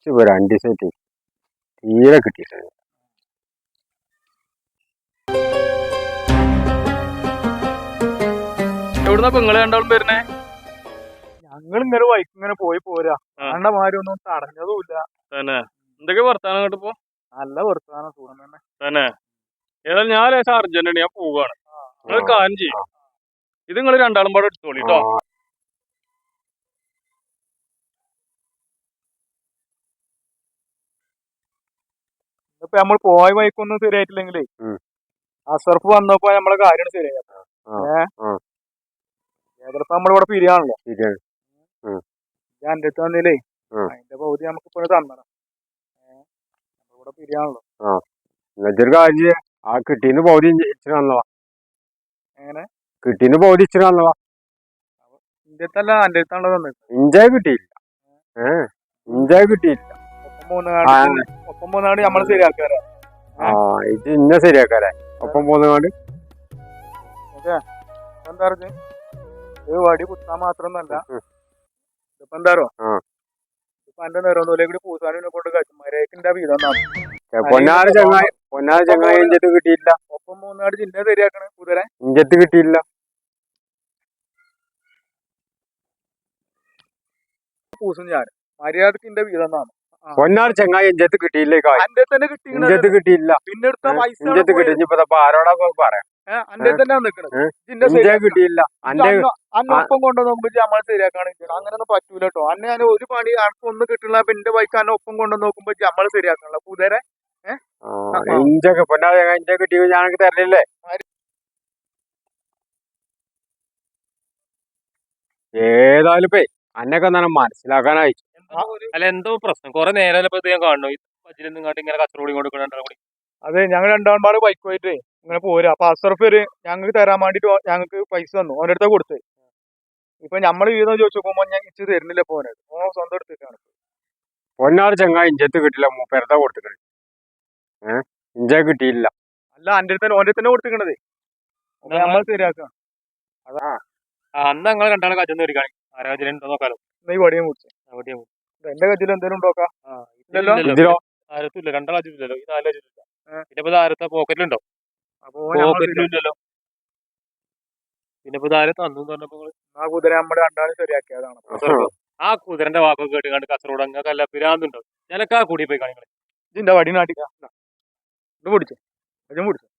ഇപ്പൊ 2 ദിവസമായിട്ട് തീരെ കിട്ടിയിട്ടില്ല. എവിടുന്നാ നിങ്ങള് രണ്ടാളും വരുന്നേ? ഞങ്ങൾ ഇങ്ങനെ വൈക്ക് ഇങ്ങനെ പോയി പോരാ. കണ്ടമാരി ഒന്നും തടഞ്ഞതുമില്ല. തന്നെ എന്തൊക്കെ വർത്താനം കേട്ടിപ്പോ? നല്ല വർത്താനം സുഖം തന്നെ. തന്നെ ഏതായാലും ഞാൻ ലേശം അർജന്റ് ഞാൻ പോവാണ്. നിങ്ങൾ കാര്യം ചെയ്യും, ഇത് നിങ്ങൾ രണ്ടാളും പാടെ എടുത്തോളി കേട്ടോ. ഇപ്പൊ നമ്മൾ പോയ വൈക്കൊന്നും ശരിയായിട്ടില്ലെങ്കിലേ അസർഫ് വന്നപ്പോ നമ്മളെ കാര്യം ശരിയായി. ഏതായാലും നമ്മളിവിടെ പിരിയാണല്ലോ. ഞാൻ എന്റെ അടുത്ത് വന്നില്ലേ, അതിന്റെ പകുതി നമുക്ക് ഇപ്പൊ തന്നണം. നമ്മളിവിടെ പിരിയാണല്ലോ. ആ കിട്ടീന്ന് പൗതി ഇച്ചിരി വന്നവാ. എങ്ങനെ കിട്ടീന്ന് പൗതി ഇച്ചിരി വന്നവാ. എന്റെ അടുത്തല്ല, എന്റെ അടുത്താണല്ലോ തന്നത്. ഇഞ്ചായ കിട്ടിയില്ല. ഇഞ്ചായ കിട്ടിയില്ല. ഒപ്പം മൂന്നാട് നമ്മള് ശരിയാക്കാറ്. ഇത് ഇന്ന ശരിയാക്കാരെ ഒപ്പം പോകുന്നങ്ങാണ്ട്. എന്താ പറഞ്ഞ ഇത് വടി കുത്താൻ മാത്രമൊന്നല്ല. ഇപ്പൊ എന്താറോ ഇപ്പൊ എന്റെ നിറന്നൂലെ കൂടി പൂസാനെ കൊണ്ട് കച്ചുമാരേക്കിന്റെ വീതം കിട്ടിയില്ല. ഒപ്പം മൂന്നാട് ജില്ല ശരിയാക്കണ കുതിരെ ഇഞ്ചത്ത് കിട്ടിയില്ല. പൂസും ഞാൻ മര്യാദക്കിന്റെ വീതം പൊന്നാറ് ചെങ്ങായി ഇഞ്ചത്ത് കിട്ടിയില്ലേ? എന്റെ തന്നെ ഇഞ്ചത്ത് കിട്ടിയില്ല. പിന്നെ എടുത്ത പൈസ ഇഞ്ചത്ത് കിട്ടി. ഇനിയിപ്പോ ആരോടാ പറയാം. അന്റെ തന്നെ നിക്കണത് കിട്ടിയില്ല. ഒപ്പം കൊണ്ടുവന്നുമ്പോ നമ്മൾ ശരിയാക്കാണ്. അങ്ങനെയൊന്നും പറ്റൂല കേട്ടോ. അന്നെ ഞാൻ ഒരു പണി ആർക്കും ഒന്നും കിട്ടില്ല. എന്റെ ബൈക്ക് അന്നെ ഒപ്പം കൊണ്ടുവന്ന് നോക്കുമ്പോ നമ്മൾ ശരിയാക്കണല്ലോ കുതിരെ. ഇഞ്ചൊക്കെ പൊന്നാറ് ഇഞ്ച കിട്ടിയോ ഞാനൊക്കെ തരലില്ലേ? ഏതായാലും ഇപ്പേ അന്നൊക്കെ തന്നെ മനസ്സിലാക്കാനായി. അല്ല എന്തോ പ്രശ്നം കുറെ നേരം ഞാൻ കാണുന്നു ഇങ്ങനെ കച്ചറോടി കൊടുക്കണ. അതെ ഞങ്ങൾ രണ്ടാമത് ബൈക്ക് പോയിട്ട് ഇങ്ങനെ പോരാ. അപ്പൊ അസർഫ് ഞങ്ങൾക്ക് തരാൻ വേണ്ടിട്ട് ഞങ്ങൾക്ക് പൈസ തന്നു. ഓൻ്റെ അടുത്ത കൊടുത്ത്. ഇപ്പൊ നമ്മള് വീതം ചോദിച്ചു നോക്കുമ്പോ ഞാൻ ഇച്ച് തരുന്നില്ല. പോനത് സ്വന്തം എടുത്തിട്ടാണ്. പൊന്നാറ് ചെങ്ങായി ഇഞ്ചത്ത് കിട്ടില്ല. മൂപ്പരതാ കൊടുത്തിട്ടുണ്ട്. ഇഞ്ച കിട്ടിയില്ല. അല്ല എന്റെ അടുത്ത് ഓൻ്റെ തന്നെ കൊടുത്തിക്കണത്. നമ്മൾ ശരിയാക്കാം. അന്ന് ഞങ്ങൾ രണ്ടാളെ കച്ചൊന്നും ഒരുക്കാണി ആരാജനുണ്ടോ നോക്കാലോ. ഈ വടിയും കുടിച്ചു എന്റെ കയ്യിൽ എന്തെങ്കിലും ഉണ്ടോക്കാ? ആരത്തില്ല. രണ്ടാളാച്ചില്ലല്ലോ. ഈ 4 ലക്ഷത്തില്ല. പിന്നെ ആരത്തെ പോക്കറ്റിലുണ്ടോ? പോക്കറ്റിലില്ലല്ലോ. പിന്നെ ആരെ തന്നു പറഞ്ഞപ്പോ ആ കുതിര നമ്മുടെ രണ്ടാളും ശരിയാക്കിയതാണ്. ആ കുതിരന്റെ വാക്കൊക്കെ കേട്ട് കണ്ട് കസറോട് അങ്ങല്ല പിരാന്തുണ്ടോ? ഞാനൊക്കെ ആ കൂടി പോയി കാണികളെ. ഇതിന്റെ വടി നാട്ടിക്കാ പിടിച്ചു.